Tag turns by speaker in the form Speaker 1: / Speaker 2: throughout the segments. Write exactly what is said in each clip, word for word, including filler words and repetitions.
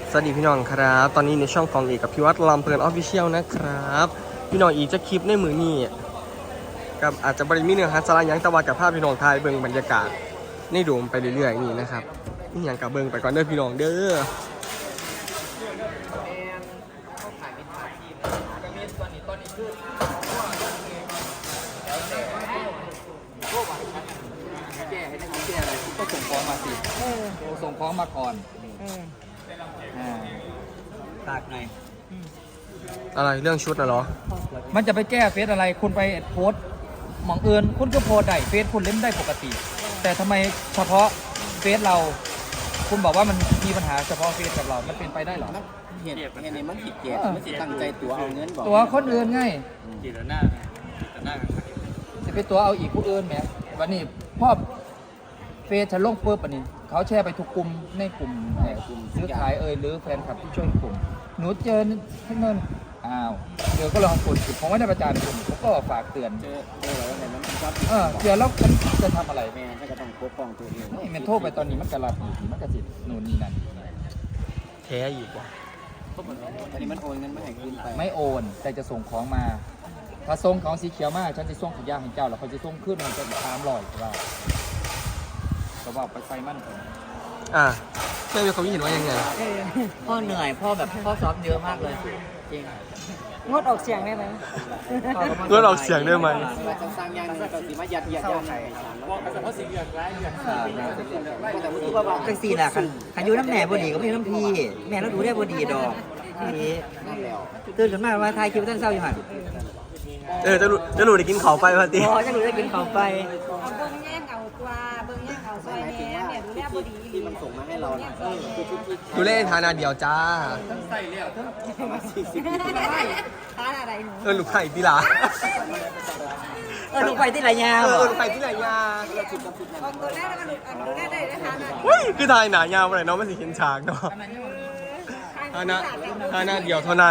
Speaker 1: สวัสดีพี่น้องครับตอนนี้ในช่องของเอกกับพิวัตรลำเพลินออฟฟิเชียลนะครับพี่น้องอีกจะคลิปในมือนี้กับอาจจะบริมีเนื้อหาสาระยังตะวันกับภาพพี่น้องไทยเบิ่งบรรยากาศในโดมไปเรื่อยๆนี่นะครับนี่อย่างกับเบิ่งไปก่อนเด้อพี่น้องเด้อ
Speaker 2: แก้ให้ได้แก้อะไรก็ส่งของมาสิส่งของมาก่อนอ่าตากไง
Speaker 1: อะไรเรื่องชุดน่ะเหรอ
Speaker 2: มันจะไปแก้เฟซอะไรคุณไปโพสต์หมองเอิญคุณก็โพสต์ได้เฟซคุณเล่นได้ปกติ แต่ทำไมเฉพาะเฟซเรา คุณบอกว่ามันมีปัญหาเฉพาะเฟซกับเรา มันเป็นไปได้หรอ
Speaker 3: เหตุเหตุนี้มันผิดเกตมันสิตั้งใจตัวเอาเงินบอก
Speaker 2: ตัวคนอื่นไง
Speaker 3: จีรหน้าจีรหน้า
Speaker 2: จะไปตัวเอาอีกผู้อื่นแหมวันนี้พ่อเฟซฉันลงปุ๊บอันนี้เขาแชร์ไปทุกกลุ่มในกลุ่มแห่กลุ่มซื้อขายเอ่ยหรือแฟนคลับที่ช่วยกลุ่มหนูเจอที่นั่นอ้าวเดี๋ยวก็ลองกดผมไม่ได้ประจานคุณผมก็ฝากเตือน
Speaker 3: เจอเจออะไรมันชอบ
Speaker 2: เออเดี๋ยวแล้วฉันจะทำอะไร
Speaker 3: แม่ถ้าก็ต้องปกป้องตัวเอง
Speaker 2: นี่มันโทษไปตอนนี้มันกระลับอยู่มันกระสิหนูนี่นั่น
Speaker 1: แท้อีกว่ะ
Speaker 3: อันนี้มันโอนเงินไม่ให้คืนไป
Speaker 2: ไม่โอนแต่จะส่งของมาถ้าส่งของสีเขียวมาฉันจะส่งขยะให้เจ้าแล้วเขาจะส่งขึ้นมันจะตามรอยว่าเขาบอกไปไฟมั่น
Speaker 1: อ่ะแม่มีความคิดเห็นว่ายังไง
Speaker 4: พ่อเหนื่อยพ่อแบบพ่อซ้อมเยอะมากเลยจริง
Speaker 5: งดออกเสียงได้ไหม
Speaker 1: งดออกเสียงได้ไหม
Speaker 3: เราจะสร้างยางนี้ก็สิมายัดยัดยัดให้บอกกันเฉพาะสิ่งอย่างไรอย่างแต่เมื่อกี้ว่า
Speaker 4: จังสี่แหละคันคันอยู่น้ำแหน่บดีก็ไม่น้ำพี่แม่เราดูได้บดีดอกนี่ตื่นขึ้นมาว่าทายคิวต้นเศร้าอยู่หัน
Speaker 1: เออจะรู้จะรู้ได้กินเขาไปพอดี
Speaker 4: อ๋อจะรู้ได้กินเขาไป
Speaker 5: เอาเบิ้งแย่งเอาตัวเบิ้งแย่งเอาซอยแม่เนี่ยดูแลบดี
Speaker 3: ที่มันส่งมาให้เราเนี่ยคือชุดที่
Speaker 1: ดูเล่นทานาเดียวจ้า
Speaker 3: ต้องใส่แล้วต้องมาสี่สิบ
Speaker 5: ทานอะไรหนู
Speaker 1: เออลูกไข่ที่หลา
Speaker 4: เออลูกไปที่ไหนยา
Speaker 1: เออลูกไข่ที่ไหนยา
Speaker 5: เอาตัวแรกแล้วมันดูแลได้ได้ทานอะไร
Speaker 1: เฮ้ยคือทายหนายาวไปไหนเนาะไม่สิเห็นฉากเนาะทานาทานาเดียวเท่านั้น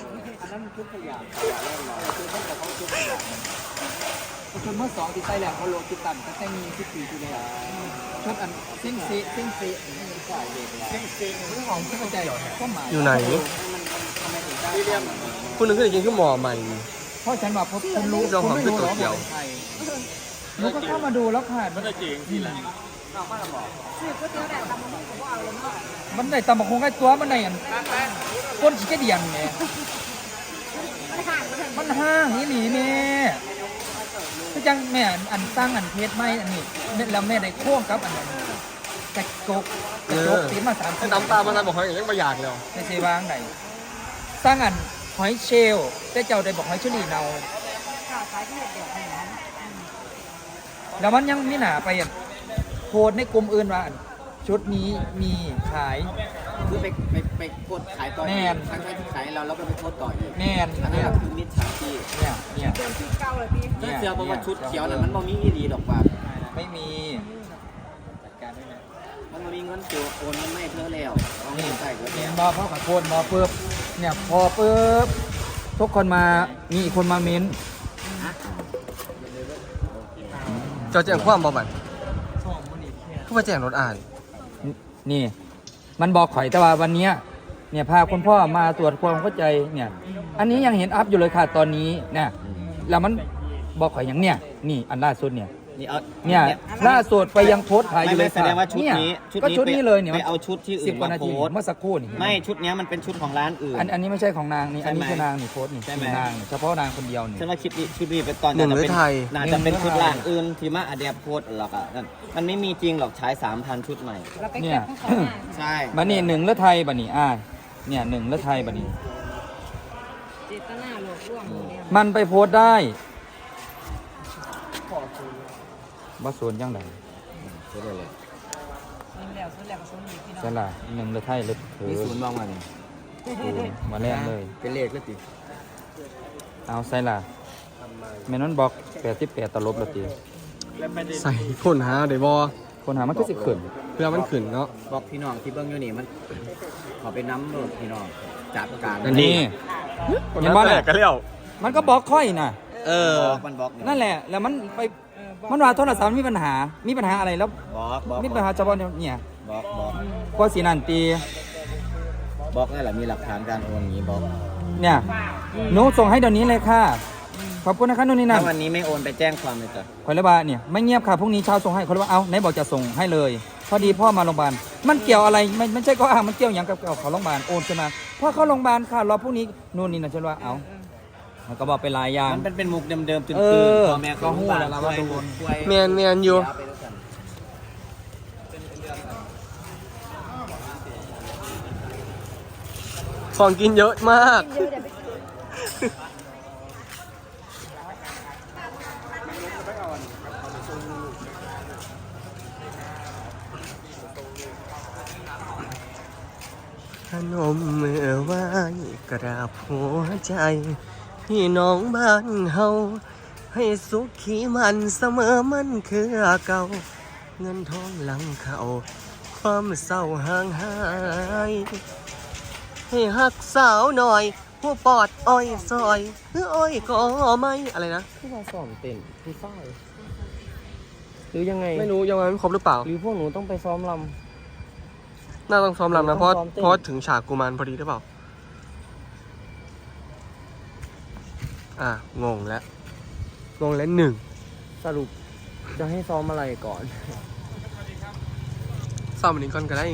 Speaker 2: ชุดเมื่อสองที่ใส่แหลมเขาโลจุดต่ำก็แค่มีสิบปีที่แล้วชุดอันซิ่งซีซิ่งซีซิ่งซีเรื่องของที่เข้าใจก็หมาย
Speaker 1: อยู่ไหนคุณนึกถึงกินขึ้นหมอใหม่
Speaker 2: เพราะฉันบอกคุณรู้คุณไม่รู้หรอกหนูก็เข้ามาดูแล้วค่ะมันได้จริงที่ไหน
Speaker 5: ซื้อก๋วยเตี๋ยวแต่ตำมันก็เอาเลยเนาะ
Speaker 2: มันได้ตำบักคงไอ้ตัวมันได้อันก้นขี้กระเดียงเนี่ยมันห้างนี่หนีแม่ก็จังแม่อันสร้างอันเพชรไม่อันนี้แล้วแม่ได้โค้งกับอันนั้นกระจกกระจกตีมาสาม
Speaker 1: คนน้ำตามันทำบอกหอยยังประหยัดเลย
Speaker 2: ในเซวางไหนสร้างอันหอยเชลล์แต่เจ้าได้บอกหอยเชอรี่เนาแล้วมันยังมีหนาไปโพสในกลุ่มอื่นว่าชุดนี้มีขาย
Speaker 3: คือไปไปไปโพสขายต่ออีกทั้งที่ขายเราแล้วก็ไปโพสต่ออีก
Speaker 2: แม่น
Speaker 3: อันนี้คือมิจฉาชีพ
Speaker 2: เนี่ยเนี่ย
Speaker 5: เดินชุดเก่าเลยพี่
Speaker 3: ถ้าเสื้อบอกว่าชุดเขียวนั้นมันบ่มีอีหลีดอกว่า
Speaker 2: ไม่มีจัดการได้ไหม
Speaker 3: มันบ่มีเงินตัวโอนมันไม่เท่าแล้วเอาเงินใส่ก็แล้ว
Speaker 2: มอพ่อขับโคนมอเปิบเนี่ยพอเปิบทุกคนมามีอีกคนมาเม้น
Speaker 1: เจ้าแจ้งความบ่บัดเขาไปแจ้งรถอ่าน
Speaker 2: นี่มันบอกข่อยแต่ว่าวันนี้เนี่ยพาคุณพ่อมาตรวจความเข้าใจเนี่ยอันนี้ยังเห็นอัพอยู่เลยค่ะตอนนี้เนี่ยแล้วมันบอกข่อยอย่างเนี่ยนี่อันล่าสุดเนี่ยเนี่ยล่าสุดไปยังโพสต์ขายอยู่เลย
Speaker 3: แสดงว่าชุดนี้
Speaker 2: ก็ชุดนี้เลยเนี่ย
Speaker 3: ไปเอาชุดที่อื่นมาโพส
Speaker 2: เมื่อสักครู่นี่
Speaker 3: ไม่ชุดนี้มันเป็นชุดของร้านอื่น
Speaker 2: อันอันนี้ไม่ใช่ของนางนี่อันนี้คือนางนี่โพสต์นี่คือนางเฉพาะนางคนเดียวนี่
Speaker 3: ฉันว่าคลิปนี้ชุดนี้เป็นตอนนั้นเป็นน่าจะเป็นชุดร้านอื่นที่มาอเดียโพสหรอกอ่ะมันไม่มีจริงหรอกใช้สามพันชุดใหม่
Speaker 2: เนี่ย
Speaker 3: ใช่
Speaker 2: บันนี่หนึ่งเลือดไทยบันนี่อ่าเนี่ยหนึ่งเลือดไทยบันนี่
Speaker 5: เจตนาหลอกลวง
Speaker 2: มันไปโพสได้ว่าโซนยังไง
Speaker 3: ใช่เลย
Speaker 2: ใช่ละหนึ่งเลือดไทยเลือดเถือ
Speaker 3: มีศูนย์บ้างมัน
Speaker 2: มาแรกเลย
Speaker 3: เป็นเลขแล้วติ
Speaker 2: เอาใส่ละเมนอนบอกแปดสิบแปดตลบแล้วติ
Speaker 1: ใส่คนหาเดี๋ยวบอ
Speaker 2: คนหามันก็สิขึ้น
Speaker 1: เพื่อมันขึ้นเนาะ
Speaker 3: บอกพี่น้องที่เบิ้งอยู่นี่มันขอไปน้ำรถพี่น้องจัดการ
Speaker 2: นี่
Speaker 1: เห็นบ้านแหลกกันแล้ว
Speaker 2: มันก็บอกค่อยน่ะ
Speaker 1: เออ
Speaker 3: มันบอก
Speaker 2: นั่นแหละแล้วมันไปมันว่าโทรศัพท์มีปัญหามีปัญหาอะไรแล้ว
Speaker 3: บอกบอก
Speaker 2: มีปัญหาเฉพาะเนี่ย
Speaker 3: บอกบอก
Speaker 2: ก็สีนันตี
Speaker 3: บล็อกนั่นแหละมีหลักฐานการโอนอย่างนี้บล็อก
Speaker 2: เนี่ยหนูส่งให้เดี๋ยวนี้เลยค่ะขอบคุณนะคะนู่นนี่นั่
Speaker 3: ถ้าน วันนี้ไม่โอนไปแจ้งความเลยจ้ะ
Speaker 2: คนละบาเนี่ยไม่เงียบค่ะพรุ่งนี้เช้าส่งให้คนละบาเอาไหนบอกจะส่งให้เลย พอดีพ่อมาโรงพยาบาลมันเกี่ยวอะไรไม่ไม่ใช่ก็อ้างมันเกี่ยวอย่างกับเขาโรงพยาบาลโอนใช่ไหมพ่อเข้าโรงพยาบาลค่ะรอพรุ่งนี้นู่นนี่นั่นฉันว่าเอามันก็บอกไปหลายอย่าง
Speaker 3: มันเป็นเป็นมุกเดิมๆตื่น
Speaker 2: เอ
Speaker 3: ตื่น
Speaker 2: อ
Speaker 3: พ่อแม่
Speaker 2: ก็หู้แล้วล่ะว่าโดน
Speaker 1: แมนแมนอยู่ของกินเยอะมาก ขนมมือไหว้กราบหัวใจพี่น้องบ้านเฮาให้สุขีมันเสมอมันคือเก่า เงินทองหลังเขาความเศร้าห่างหาย ให้หักสาวหน่อย ผู้ปอดอ้อยซอยหรืออ้อยก็ไม่อะไรนะ
Speaker 6: ที่เราสอนเต้นผู้สร้อยหรือยังไง
Speaker 1: ไม่รู้ยังไม่ครบหรือเปล่า
Speaker 6: หรือพวกหนูต้องไปซ้อมล
Speaker 1: น่าต้องซ้อมรำนะเพราะ
Speaker 6: ต้องซ้อมเต้น
Speaker 1: เพราะถึงฉากกุมารพอดีหรือเปล่า อ่ะ งงแล้ว งงแล้วหนึ่ง
Speaker 6: ำสรุปจะให้ซ้อมอะไรก่อน
Speaker 1: ซ้อมอันนี้ก่อนก็ได้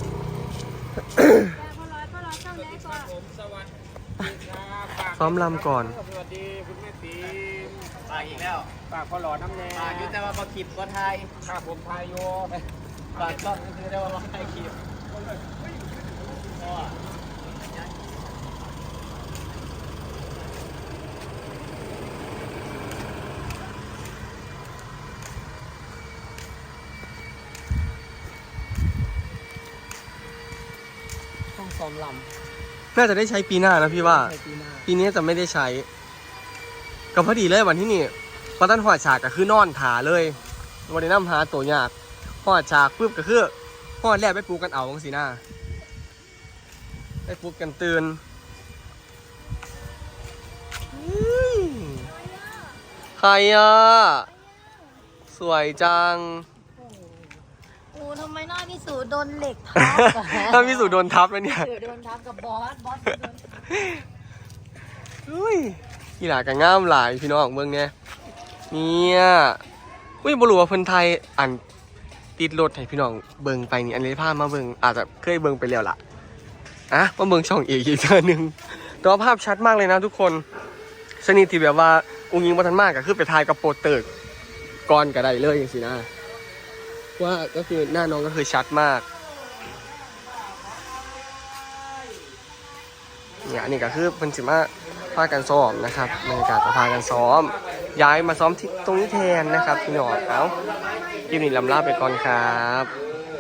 Speaker 1: ซ้อมรำก่อน
Speaker 3: สวัสดีคุณแม่ตีฝากอีกแล้วฝากพ่อหล่อน้ำแดงฝากอยู่แต่ว่าพอคลิปก็ไทยข้าผมไทยโยฝากต้องคือได้ว่าไทยคลิป
Speaker 6: ต้องซ้อมล
Speaker 1: น่าจะได้ใช้ปีหน้านะพี่ว่า
Speaker 6: ำในปีหน้า
Speaker 1: ปีนี้จะไม่ได้ใช้ก็พอดีเลยวันที่นี่พอตั้นหอดฉากก็คือนอนถาเลยวันนี้น้ำหาตัวยากหอดฉากปุ๊บก็คือหอดแรกไปปลูกกันเอาของสีหน้าไปปลูกกันตื่นอื้อใครอ่ะ สวยจัง
Speaker 5: โอ้ทำไมหน้าพี่สูโดนเหล็กทับ
Speaker 1: ถ้าพี่สุโดนทับแล้วเนี่ย
Speaker 5: เออโดนทับกับบอส บอสโดนทับ
Speaker 1: อุ้ยกีฬากันง่ามหลายพี่น้องเมืองเนี่ยเนี่ยอุ้ยบรู้ว่าคนไทยอันติดรถให้พี่น้องเบิงไปนี่อันนี้พามาเบิงอาจจะเคยเบิงไปแล้วล่ะอ่ะมาเบิงช่องเอกอีกเทื่อนึงแต่ว่าภาพชัดมากเลยนะทุกคนชนิดที่แบบว่าองค์ยิงวัฒนมากก็คือไปถ่ายกับโปรเตอร์ก่อนก็ได้เลยอย่างสินะว่าก็คือหน้าน้องก็คือชัดมากเนี่ยอันนี้ก็คือเป็นสิมาพากันซ้อมนะครับบรรยากาศจะพากันซ้อมย้ายมาซ้อมที่ตรงนี้แทนนะครับพี่น้องเอาคลิปนี้ลำลาไปก่อนครับ